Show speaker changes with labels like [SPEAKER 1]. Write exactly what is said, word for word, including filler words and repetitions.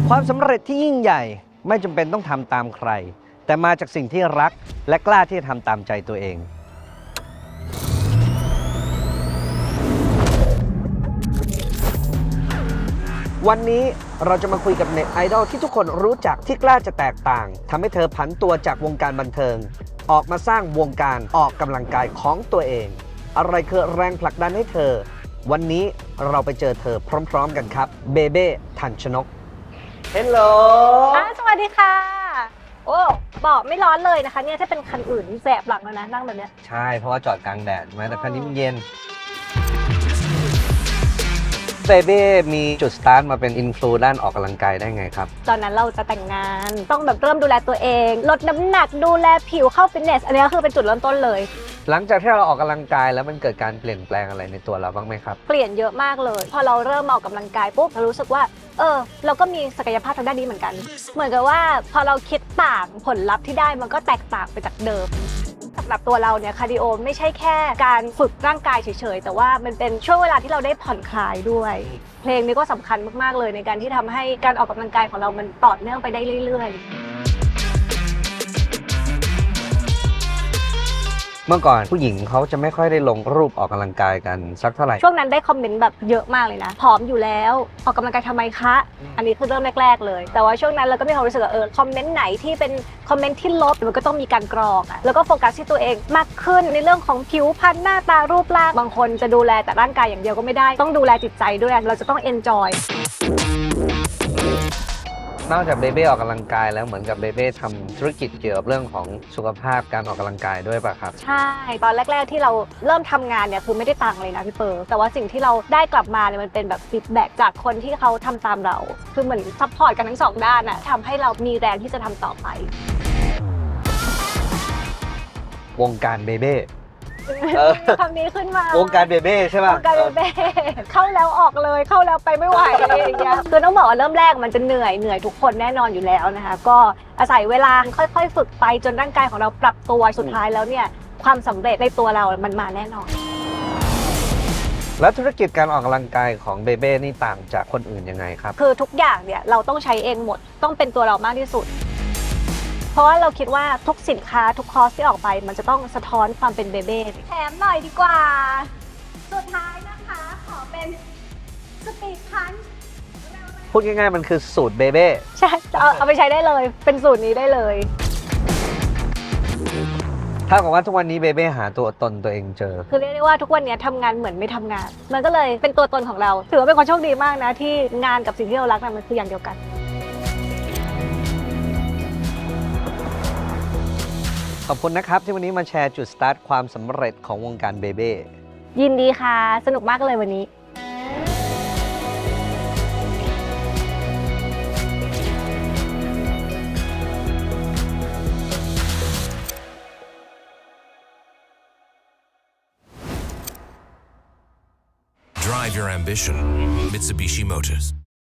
[SPEAKER 1] ความสำเร็จที่ยิ่งใหญ่ไม่จำเป็นต้องทำตามใครแต่มาจากสิ่งที่รักและกล้าที่จะทำตามใจตัวเองวันนี้เราจะมาคุยกับเน็ตไอดอลที่ทุกคนรู้จักที่กล้าจะแตกต่างทำให้เธอผันตัวจากวงการบันเทิงออกมาสร้างวงการออกกำลังกายของตัวเองอะไรคือแรงผลักดันให้เธอวันนี้เราไปเจอเธอพร้อมๆกันครับเบเบ้ทันชนกเฮลโหล
[SPEAKER 2] สวัสดีค่ะโอ้บอกไม่ร้อนเลยนะคะเนี่ยถ้าเป็นคันอื่นแสบหลังแล้วนะนั่งแบบเนี้ย
[SPEAKER 1] ใช่เพราะว่าจอดกลางแดดใช่ไหมแต่คันนี้มันเย็นเบเบ้มีจุดสตาร์ทมาเป็นอินฟลูด้านออกกำลังกายได้ไงครับ
[SPEAKER 2] ตอนนั้นเราจะแต่งงานต้องแบบเริ่มดูแลตัวเองลดน้ำหนักดูแลผิวเข้าฟิตเนสอันนี้ก็คือเป็นจุดเริ่มต้นเลย
[SPEAKER 1] หลังจากที่เราออกกำลังกายแล้วมันเกิดการเปลี่ยนแปลงอะไรในตัวเราบ้างไหมครับ
[SPEAKER 2] เปลี่ยนเยอะมากเลยพอเราเริ่มออกกำลังกายปุ๊บเรารู้สึกว่าเออเราก็มีศักยภาพทางด้านนี้เหมือนกันเหมือนกับว่าพอเราคิดต่างผลลัพธ์ที่ได้มันก็แตกต่างไปจากเดิมสำหรับตัวเราเนี่ยคาร์ดิโอไม่ใช่แค่การฝึกร่างกายเฉยๆแต่ว่ามันเป็นช่วงเวลาที่เราได้ผ่อนคลายด้วยเพลงนี้ก็สำคัญมากๆเลยในการที่ทำให้การออกกำลังกายของเรามันต่อเนื่องไปได้เรื่อยๆ
[SPEAKER 1] เมื่อก่อนผู้หญิงเขาจะไม่ค่อยได้ลงรูปออกกำลังกายกันสักเท่าไหร่
[SPEAKER 2] ช่วงนั้นได้คอมเมนต์แบบเยอะมากเลยนะผอมอยู่แล้วออกกำลังกายทำไมคะอันนี้คือเริ่มแรกๆเลยแต่ว่าช่วงนั้นเราก็มีความรู้สึกว่าเออคอมเมนต์ไหนที่เป็นคอมเมนต์ที่ลบมันก็ต้องมีการกรองอ่ะแล้วก็โฟกัสที่ตัวเองมากขึ้นในเรื่องของผิวพรรณหน้าตารูปร่างบางคนจะดูแลแต่ร่างกายอย่างเดียวก็ไม่ได้ต้องดูแลจิตใจด้วยเราจะต้องเอนจอย
[SPEAKER 1] นอกจากเบเบ้ออกกำลังกายแล้วเหมือนกับเบเบ้ทำธุรกิจเกี่ยวกับเรื่องของสุขภาพการออกกำลังกายด้วยป่ะครับ
[SPEAKER 2] ใช่ตอนแรกๆที่เราเริ่มทำงานเนี่ยคือไม่ได้ตังค์เลยนะพี่เปิร์แต่ว่าสิ่งที่เราได้กลับมาเนี่ยมันเป็นแบบฟีดแบ็กจากคนที่เขาทำตามเราคือเหมือนซัพพอร์ตกันทั้งสองด้านอะทำให้เรามีแรงที่จะทำต่อไป
[SPEAKER 1] วงการเบเบ้
[SPEAKER 2] คำนี้ขึ้นมาว
[SPEAKER 1] งการเบเบ้ใช่ป่ะ
[SPEAKER 2] วงการเบเบ้เข้าแล้วออกเลยเข้าแล้วไปไม่ไหวอะไรอย่างเงี้ยคือต้องบอกว่าเริ่มแรกมันจะเหนื่อยเหนื่อยทุกคนแน่นอนอยู่แล้วนะคะก็อาศัยเวลาค่อยๆฝึกไปจนร่างกายของเราปรับตัวสุดท้ายแล้วเนี่ยความสำเร็จในตัวเรามันมาแน่นอน
[SPEAKER 1] แล้วธุรกิจการออกกำลังกายของเบเบ้นี่ต่างจากคนอื่นยังไงครับ
[SPEAKER 2] คือทุกอย่างเนี่ยเราต้องใช้เองหมดต้องเป็นตัวเรามากที่สุดเพราะว่าเราคิดว่าทุกสินค้าทุกคอร์สที่ออกไปมันจะต้องสะท้อนความเป็นเบเบ้แถมหน่อยดีกว่าสุดท้ายนะคะขอเป็นสปีดพันช์
[SPEAKER 1] พูดง่ายๆมันคือสูตรเบเบ้
[SPEAKER 2] ใช่เอาเอาไปใช้ได้เลยเป็นสูตรนี้ได้เลย
[SPEAKER 1] ถ้ากับว่าทุกวันนี้เบเบ้หาตัวตนตัวเองเจอ
[SPEAKER 2] คือเรียกได้ว่าทุกวันนี้ทำงานเหมือนไม่ทำงานมันก็เลยเป็นตัวตนของเราถือว่าเป็นคนโชคดีมากนะที่งานกับสิ่งที่เรารักมันคืออย่างเดียวกัน
[SPEAKER 1] ขอบคุณนะครับที่วันนี้มาแชร์จุดสตาร์ทความสำเร็จของวงการเบเบ้
[SPEAKER 2] ยินดีค่ะสนุกมากเลยวันนี้
[SPEAKER 3] Drive your ambition, Mitsubishi Motors.